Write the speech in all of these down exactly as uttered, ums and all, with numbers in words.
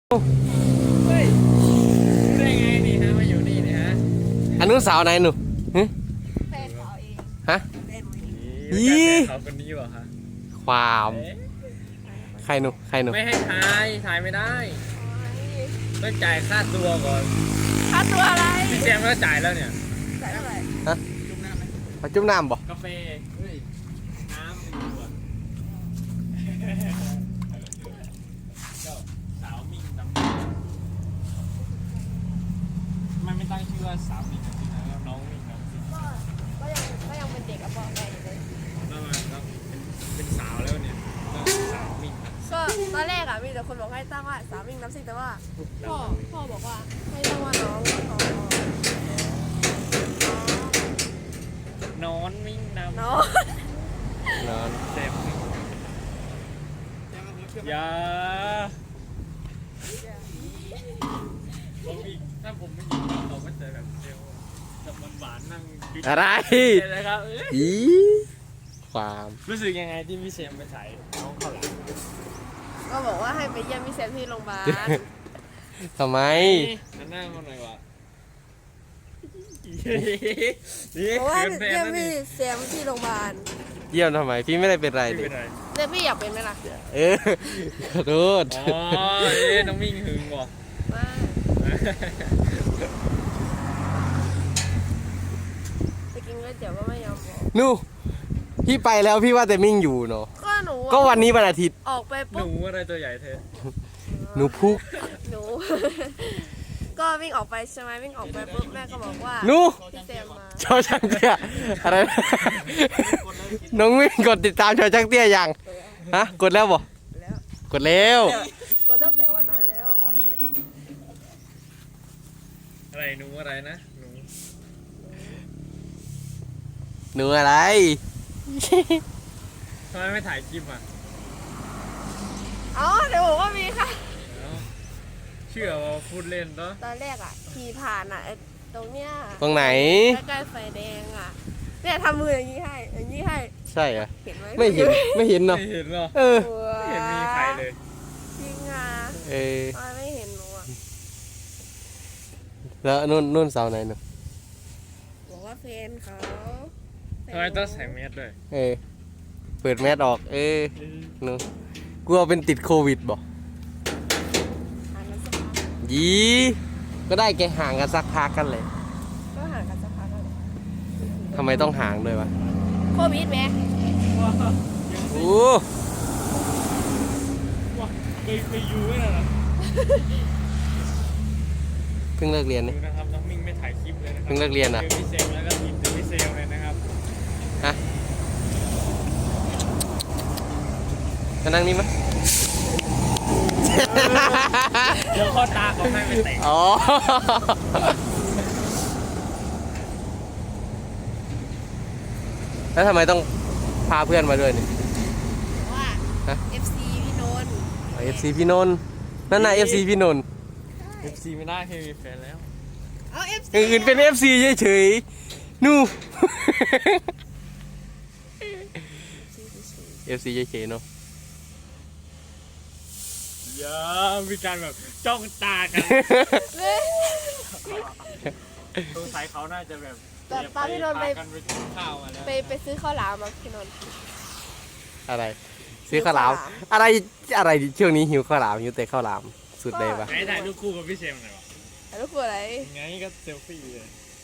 เฮ้ยรู้ได้ไงนี่ฮะมาอยู่นี่นี่ฮะอันนู้นสาวไหนหนูฮะแฟนเขาเองฮะแฟนหนูเองนี่เขาคนนี้เหรอฮะความใครหนูใครหนูไม่ให้ถ่ายถ่ายไม่ได้ต้องจ่ายค่าตัวก่อนค่าตัวอะไรพี่แซมก็จ่ายแล้วเนี่ยจ่ายเท่าไหร่ฮะจุ่มน้ำไหมมาจุ่มน้ำบ่กาแฟเฮ้ยน้ำดีกว่าเจ้าสาวมิ่งตำมันไม่ตั้งชื่อว่าสาวมิ่งจริงๆนะน้องมิ่งนะก็ก็ยังก็ยังเป็นเด็กอะบอกได้อยู่เลยแล้วมาแล้วเป็นเป็นสาวแล้วเนี่ยต้องสาวมิ่งก็ตอนแรกอะมีแต่คนบอกให้ตั้งว่าสาวมิ่งน้ำซิ่งแต่ว่าพ่อพ่อบอกว่าให้ตั้งว่าน้องน้องนอนมิ่งน้ำน้องนอนเจ็บอย่าผมอีกถ้าผมไม่ยิงเขาก็จะแบบเซลล์แบบหวานๆนั่งอะไรนะครับอีความรู้สึกยังไงที่พี่เซมไปถ่ายน้องเขาหลังก็บอกว่าให้ไปเยี่ยมพี่แซมที่โรงพยาบาลทำไมนั่นหน้ามาหน่อยวะเพราะว่าเยี่ยมพี่แซมที่โรงพยาบาลเยี่ยมทำไมพี่ไม่ได้เป็นไรไม่เลเป็ยนไรแล้วพี่อยากเป็นไหมล่ะเออขอโทษอ๋อเอ๊ะน้องมิ่งหึงว่ะว่าไปกินก๋วยเตี๋ยวก็ไม่ยอมบอกนู่พี่ไปแล้วพี่ว่าแต่มิ่งอยู่เนาะก็หนูอะก็วันนี้วันอาทิตย์ออกไปหปุ๊นูบอะไรตัวใหญ่เธอหนูพุกหนู ก็วิ่งออกไปใช่ไหมวิ่งออกไปปุ๊บแม่ก็บอกว่าหนูพี่แซมมาชอช่างเตี้ยอะไรนะน้องมิ่งกดติดตามชอช่างเตี้ยยังฮะกดแล้วบ่แล้วกดแล้วก็ตั้งแต่วันนั้นแล้วอะไรหนูอะไรนะหนูหนูอะไรทำไมไม่ถ่ายคลิปอ่ะอ๋อเดี๋ยวบอกว่ามีค่ะเอ้าเชื่อว่าพูดเล่นเนาะตอนแรกอ่ะขี่ผ่านอ่ะไอ้ตรงเนี้ยตรงไหนใกล้ๆไฟแดงอ่ะเนี่ยทำมืออย่างนี้ให้อย่างนี้ให้ใช่เหรอเห็นไหมไม่เห็นไม่เห็นเนาะไม่เห็นหรอเออไม่เห็นมีใครเลยจริงอ่ะเออทำไมไม่เห็นหนูอ่ะแล้วนู่นนู่นเสาไหนหนูบอกว่าแฟนเขาทำไมต้องใส่แมสด้วยเออเปิดแมสออก เออหนูกลัวเป็นติดโควิดบ่ห่างกันสักพักยีก็ได้แกห่างกันสักพักกันเลยก็ห่างกันสักพักแล้วทำไมต้องห่างด้วยวะโควิดไหมว้าวโอ้ว้าวเคยเคยอยู่ไหมล่ะเพิ่งเลิกเรียนดูนี่นะครับน้องมิ่งไม่ถ่ายคลิปเลยนะครัเพิ่งเลิกเรียนอะจอพี่เซลแล้วก็ทีมเจอพี่เซลเลยนะครับฮะจะนั่งนี่มั้ยเดี๋ยวข้อตาเขาให้ไปแต่งอ๋อ แล้วทำไมต้องพาเพื่อนมาด้วยนี่ว่าฮะเอฟซีพี่นนท์เอฟซีพี่นนท์นั่นน่ะเอฟซีพี่นนท์เอฟซีไม่ได้เคยมีแฟนแล้วเอาเอฟอซีย่างอื่นเป็นเอฟซีเฉยๆนู่เอฟซีเฉยๆเนาะอย่ามีการแบบจ้องตากันสงสัยเขาน่าจะแบบตอนตอนพี่นนท์ไปพากันไปกินข้าวมาแล้วไปไปซื้อข้าวหลามมาพี่นนท์อะไร ซื้อข้าวหลาม อะไรอะไรช่วงนี้หิวข้าวหลามหิวแต่ข้าวหลามสุดเลยปะไหนถ่ายรูปคู่กับพี่เซมหน่อยวะแล้วลูกคืออะไรไงก็เซลฟี่เลย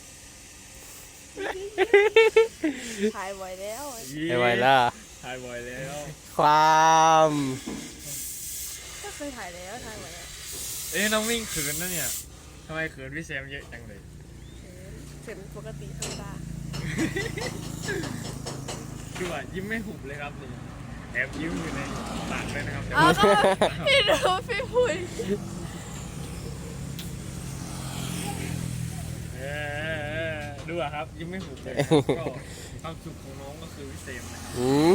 ถ่ายบ่อยแล้วไม่ไหวแล้วถ่ายบ่อยแล้วความก็เคยถ่ายแล้วถ่ายบ่อยแล้วเอ้ยน้องมิ่งเขินนะเนี่ยทำไมเขินพี่เซมเยอะจังเลยเห็นปกติธรรมดาคือว่ายิ้มไม่หุบเลยครับนี่แอบยิ้มอยู่ในปากเลยนะครับเดี๋ยวเอาก็พี่ดูพี่พูดเออดูอะครับยิ้มไม่หุบเลยก็ความสุขของน้องก็คือพี่เซมนะครับอืม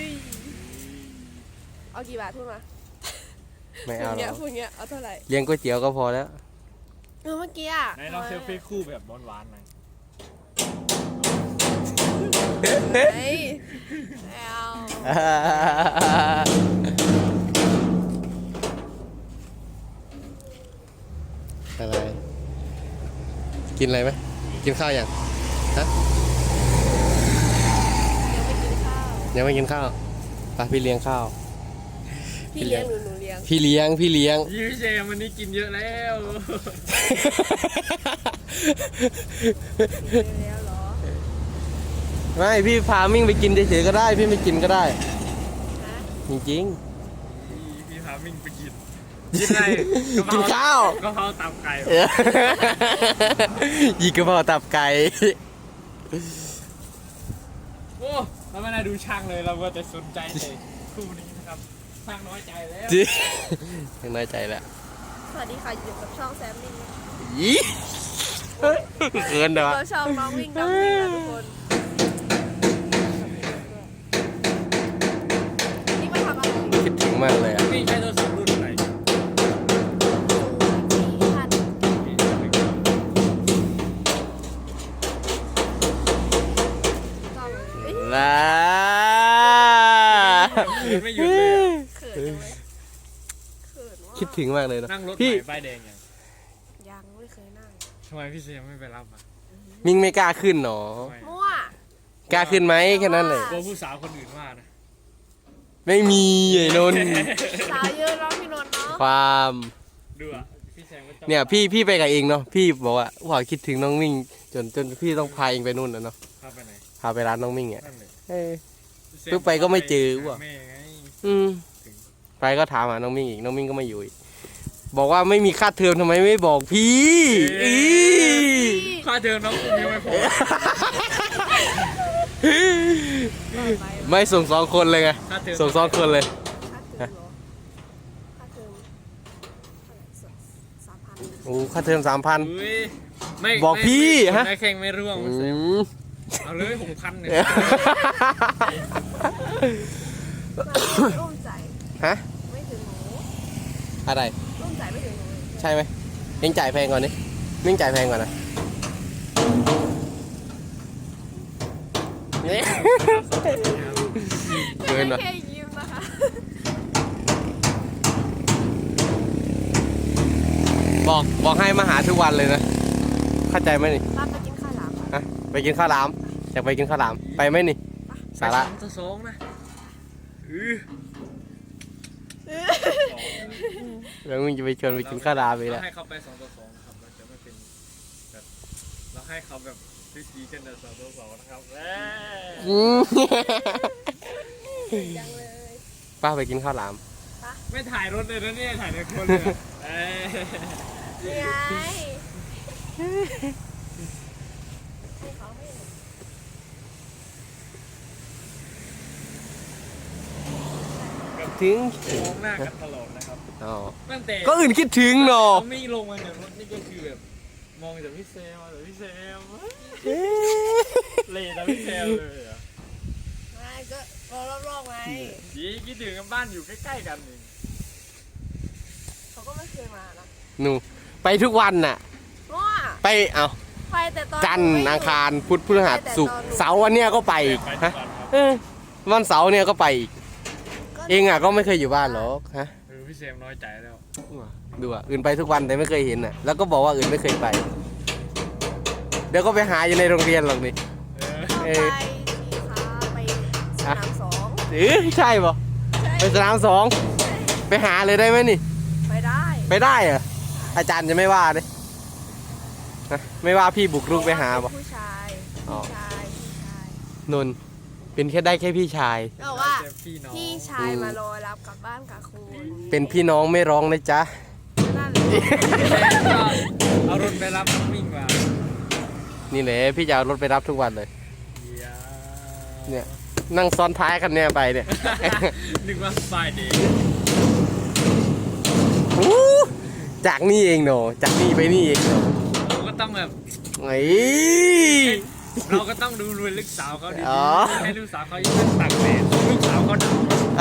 เอากี่บาทพูดมาไม่พูเอาดหรเงี้ยอกพูดเงี้ยเอาเท่าไหร่เลี้ยงก๋วยเตี๋ยวก็พอแล้วเออเมื่อกี้อ่ะไหนลองเซลฟี่คู่แบบหวานๆหน่อยเฮ้ยไม่เอาออะไรกินอะไรไหมกินข้าวยังฮะยังไม่กินข้าวยังไม่กินข้าวไปพี่เลี้ยงข้าวพี่เลี้ยงหรือหนูเลี้ยงพี่เลี้ยงพี่เลี้ยงยี่พี่เจมวันนี้กินเยอะแล้วเลี้ยงแล้วเหรอไม่พี่พามิ่งไปกินเฉยๆก็ได้พี่ไม่กินก็ได้ฮะจริงพี่พามิ่งไปกินกินอะไรกินข้าวกะเพราตับไก่ๆเออ ยีกระเพราตับไก่โอ้เราไม่ได้ดูช่างเลยเราก็จะสนใจเลยคู่นี้นะครับช่างน้อยใจแล้วจริงยังน้อยใจแล้วสวัสดีค่ะอยู่กับช่องแซมมี่ยี่เขินเด้อเราช่องน้องวิ่งน้องวิ่งนะทุกคนนี่มาทำอะไรคิดถึงมากเลยอ่ะนี่ใช้โทรศัพท์รุ่นอะไรท่านต้องเอ้ยลาไม่หยุดเลยอะเขินจังเลยเขินว่าคิดถึงมากเลยนะนั่งรถพี่ใหม่ป้ายแดงยังยังไม่เคยนั่งทำไมพี่เจมไม่ไปรับอ่ะมิ่งไม่กล้าขึ้นหนอทำไมมั่วกล้าขึ้นไหมแค่นั้นเลยกลัวผู้สาวคนอื่นว่านะไม่มีไอ้นนท์สาวเยอะเนาะพี่นนท์เนาะความดูอ่ะพี่เจมก็จ้องเนี่ยพี่พี่ไปกับเองเนาะพี่บอกว่าว่าคิดถึงน้องมิ่งจนจนพี่ต้องพาเองไปนู่นนะเนาะพาไปไหนพาไปร้านน้องมิ่งอ่ะนั่นเลยเออพี่เจปึ๊บไปก็ไม่เจอว่ะแม่ไงอืมไปก็ถามหาน้องมิ่งอีกน้องมิ่งก็ไม่อยู่อีกบอกว่าไม่มีค่าเทอมทำไมไม่บอกพี่อีค่าเทอมน้องผมยังไม่พอไปไม่ส่งสองคนเลยไงค่าเทอมส่งสองคนเลยค่าเทอมเหรอค่าเทอมสามพันโอ้ค่าเทอมสามพันอุ้ยไม่บอกพี่ไม่ฮะได้แข่งไม่ร่วงอืมเอาเลยหกพันเนี่ยร่วมใจฮะไม่ถึงหนูอะไรร่วมใจไม่ถึงหนูเลยใช่ไหมเองจ่ายแพงก่อนนี่มิ่งจ่ายแพงก่อนนะเนี่ยเกินว่ะแค่ยิ้มนะคะบอกบอกให้มาหาทุกวันเลยนะเข้าใจไหมนี่รับไปกินข้าวหลามก่อนฮะไปกินข้าวหลามอยากไปกินข้าวหลามไปไหมนี่สาระสองต่อสองนะอือแล้วมึงจะไปชวนไปกินข้าวหลามอีกเราแล้วให้เขาไปสองต่อสองนะครับเราจะไม่เป็นแบบเราให้เขาแบบพิธีกันแต่สองต่อสองนะครับแหมอืมยังเลยป้าไปกินข้าวหลามไม่ถ่ายรถเลยนะเนี่ยถ่ายในคนเลยอะเอ้ยนี่ไงให้เขาให้ถึงมองหน้ากันตลอดนะครับอ๋อตั้งแต่ก็อื่นคิดถึงเนาะเขาไม่ลงมาจากรถนี่ก็คือแบบมองจากพี่เซลแต่พี่เซลเลยแต่พี่เซลเลยอ่ะไม่ก็รอรอบๆไงยี่คิดถึงกันบ้านอยู่ใกล้ๆกันเองเขาก็ไม่เคยมานะหนูไปทุกวันน่ะมั่วไปเอาไปแต่ตอนจันทร์อังคารพุธพฤหัสศุกร์เสาร์วันเนี้ยก็ไปอีกไปทุฮะกวันครับเออวันเสาร์เนี่ยก็ไปอีกเองอ่ะก็ไม่เคยอยู่บ้านหรอกฮะเออพี่เซมน้อยใจแล้วดูอ่ะอื่นไปทุกวันแต่ไม่เคยเห็นอ่ะแล้วก็บอกว่าอื่นไม่เคยไป เดี๋ยวก็ไปหาอยู่ในโรงเรียนหรอกนี่เออเราไปที่ค้าไปสนามสองเออใช่ปะใช่ไปสนามสองไปหาเลยได้ไหมนี่ไปได้ไปได้เหรออาจารย์จะไม่ว่าเลยฮะไม่ว่าพี่บุกรุกไปหาปะผู้ชายอ๋อผู้ชายผู้ชายนนท์เป็นแค่ได้แค่พี่ชายก็บอกว่าเจอพี่น้องพี่ชายมารอรับกลับบ้านกับคุณเป็นพี่น้องไม่ร้องนะจ๊ะนั่นแหละเอารถไปรับน้องมิ่งมานี่แหละพี่จะเอารถไปรับทุกวันเลยเดี๋ยวเนี่ย นั่งซ้อนท้ายคันเนี้ยไปเนี่ยนึกว่าสบายดีอู้จากนี่เองเนาะจากนี่ไปนี่เองเนาะเราก็ต้องแบบไอ้เราก็ต้องดูรวยลูกสาวเขาดีอ๋อๆให้ลูกสาวเขายิ่งตักแดดลูกสาวเขาด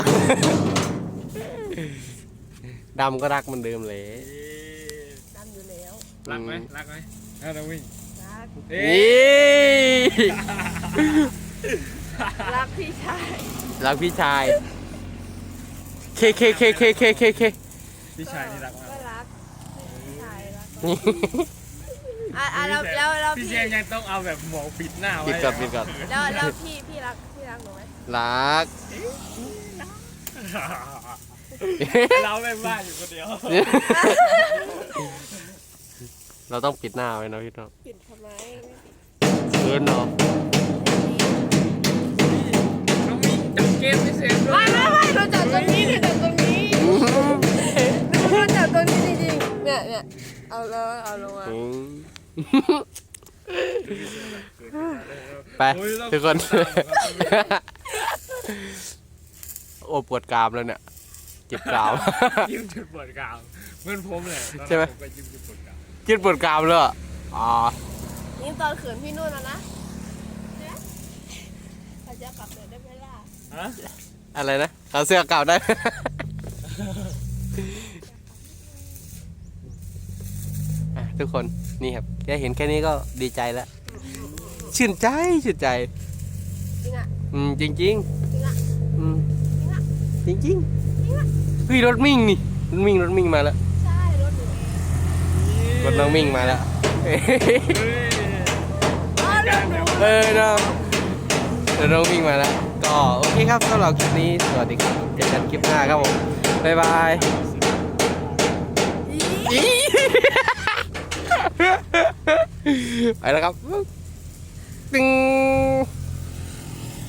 ดำก็รักเหมันเดิมเลยำดำอยู่แล้วรักไหมรักไหมเออเราวิ่งรักเอ๊นี่ะรักพี่ชายรักพี่ชายเคเคเคเคเคเคเคพี่ชายนี่รักมากก็รักเอใช่แล้วอ่ะอ่ะแล้วแล้วแล้วพี่พี่เจมยังต้องเอาแบบหมวกปิดหน้าไว้ปิดก่อนปิดก่อนแล้วแล้วพี่พี่รักพี่รักหนูไหมรักเราไม่บ้าอยู่คนเดียวเราต้องปิดหน้าไว้นะพี่น้องปิดทำไมเกินเนาะน้องมิ้นจับเกมไม่เสร็จด้วไม่ยไม่ไม่เราจับตรงนี้เราจับตรงนี้เราจับตรงนี้จริงๆเนี่ยเนี่ยเอาแล้วเอาลงมาอืมไปทุกคน โอ้ปวดกรามแล้วเนี่ยเจ็บกรามยิ้มจุดปวดกรามเหมือนผมเลยตอนนั้นใช่ไหมผมก็ยิ้มจุดปวดกรามเจ็บปวดกรามเลยอะอ๋อนี่ตอนเขินพี่นุ่นแล้วนะเนี่ยเขาจะกลับเลยได้ไหมล่ะฮะอะไรนะเอาเสื้อเก่าได้ อ่ะทุกคนนี่ครับแค่เห็นแค่นี้ก็ดีใจแล้ว ชื่นใจชื่นใจจริงอ่ะอืมจริงจริงจริงอ่ะๆอืมจริงอ่ะจริงจริงๆเฮ้ยรถมิ่งนี่รถมิ่งรถมิ่งมาแล้วใช่รถหนูเองรถน้องมิ่งมาแล้วเฮ้ยอ๋อรถหนูเออเนาะรถน้องมิ่งมาแล้วก็โอเคครับสำหรับคลิปนี้สวัสดีครับเจอกันคลิปหน้าครับผมบ๊ายบาย ไปแล้วครับ ตึง